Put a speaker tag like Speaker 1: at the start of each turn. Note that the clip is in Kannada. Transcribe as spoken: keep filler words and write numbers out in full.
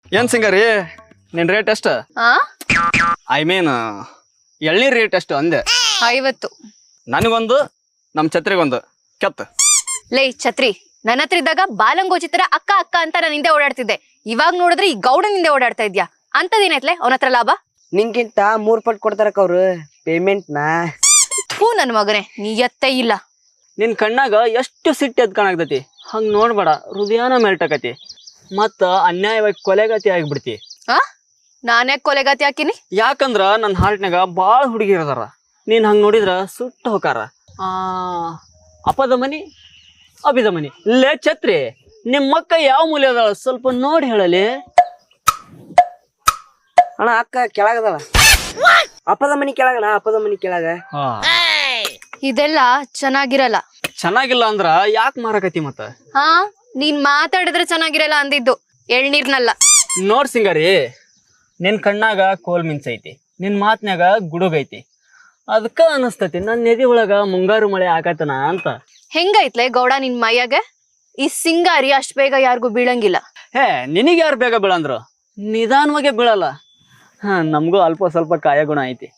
Speaker 1: ಏನ್ ಸಿಂಗರಿ ನಿನ್ ರೇಟ್ ಎಷ್ಟು?
Speaker 2: ಆ
Speaker 1: ಐ ಮೀನ್ ಎಳ್ನೀರ್ ರೇಟ್ ಎಷ್ಟು ಅಂದೆ.
Speaker 2: ಐವತ್ತು.
Speaker 1: ನನಗೊಂದು ನಮ್ ಛತ್ರಿಗೊಂದು ಕೆತ್ತ.
Speaker 2: ಲೇ ಛತ್ರಿ, ನನ್ನ ಹತ್ರ ಇದ್ದಾಗ ಬಾಲಂಗೋಚಿ ತರ ಅಕ್ಕ ಅಕ್ಕ ಅಂತ ನಾನು ಹಿಂದೆ ಓಡಾಡ್ತಿದ್ದೆ. ಇವಾಗ ನೋಡಿದ್ರೆ ಈ ಗೌಡನ್ ಹಿಂದೆ ಓಡಾಡ್ತಾ ಇದ್ಯಾ. ಅಂತದೇನೈತ್ಲೆ ಅವನ ಹತ್ರ ಲಾಭ?
Speaker 3: ನಿಂಗಿಂತ ಮೂರ್ ಪಟ್ ಕೊಡ್ತಾರಕ್ಕ ಅವ್ರು ಪೇಮೆಂಟ್ ನಾ.
Speaker 2: ಥೂ ನನ್ ಮಗನೇ, ನೀ ಎತ್ತೇ ಇಲ್ಲ.
Speaker 1: ನಿನ್ ಕಣ್ಣಾಗ ಎಷ್ಟು ಸಿಟ್ಟು ಎದ್ ಕಾಣಾಗ್ತತಿ. ಹಂಗ್ ನೋಡ್ಬೇಡ, ಹೃದಯನ ಮೆಲ್ಟಕತಿ ಮತ್ತ ಅನ್ಯಾಯವಾಗಿ ಕೊಲೆಗತಿ ಆಗಿಬಿಡ್ತಿ.
Speaker 2: ಆ ನಾನೇ ಕೊಲೆಗಾತಿ ಹಾಕಿನಿ?
Speaker 1: ಯಾಕಂದ್ರ ನನ್ನ ಹಾರ್ಟ್ನಾಗ ಬಾಳ ಹುಡುಗಿರ್ ಅದಾರ. ನೀನ್ ಹಂಗ್ ನೋಡಿದ್ರ ಸುಟ್ಟು ಹೋಕಾರ. ಆ ಅಪದ ಮನಿ ಅಭಿದ ಮನಿ. ಲೇ ಛತ್ರಿ, ನಿಮ್ ಮಕ್ಕ ಯಾವ ಮೂಲೆ ಅದಾಳ ಸ್ವಲ್ಪ ನೋಡಿ ಹೇಳಲಿ.
Speaker 3: ಅಣ್ಣ ಅಕ್ಕ ಕೆಳಗದಳ. ಅಪ್ಪದ ಮನಿ ಕೆಳಗಣ, ಅಪ್ಪದ ಮನಿ ಕೆಳಗ.
Speaker 2: ಇದೆಲ್ಲ ಚೆನ್ನಾಗಿರಲ್ಲ.
Speaker 1: ಚೆನ್ನಾಗಿಲ್ಲ ಅಂದ್ರ ಯಾಕೆ ಮಾರಕತಿ ಮತ್ತ?
Speaker 2: ಹಾ ನೀನ್ ಮಾತಾಡಿದ್ರೆ ಚೆನ್ನಾಗಿರಲ್ಲ ಅಂದಿದ್ದು, ಎಳ್ನೀರ್ನಲ್ಲ.
Speaker 1: ನೋಡ್ ಸಿಂಗಾರಿ, ನಿನ್ ಕಣ್ಣಾಗ ಕೋಲ್ ಮಿಂಚೈತಿ, ನಿನ್ ಮಾತ್ನ್ಯಾಗ ಗುಡುಗೈತಿ. ಅದಕ್ಕ ಅನಸ್ತತಿ ನನ್ನ ಎದಿ ಒಳಗ ಮುಂಗಾರು ಮಳೆ ಆಗತನ ಅಂತ.
Speaker 2: ಹೆಂಗೈತ್ಲೆ ಗೌಡ ನಿನ್ ಮೈಯಾಗ? ಈ ಸಿಂಗಾರಿ ಅಷ್ಟ್ ಬೇಗ ಯಾರಿಗೂ ಬೀಳಂಗಿಲ್ಲ.
Speaker 1: ಹೇ, ನಿನಗೆ ಯಾರು ಬೇಗ ಬೀಳಂದ್ರು? ನಿಧಾನವಾಗೆ ಬೀಳಲ್ಲ. ಹ ನಮಗೂ ಅಲ್ಪ ಸ್ವಲ್ಪ ಕಾಯ ಗುಣ ಐತಿ.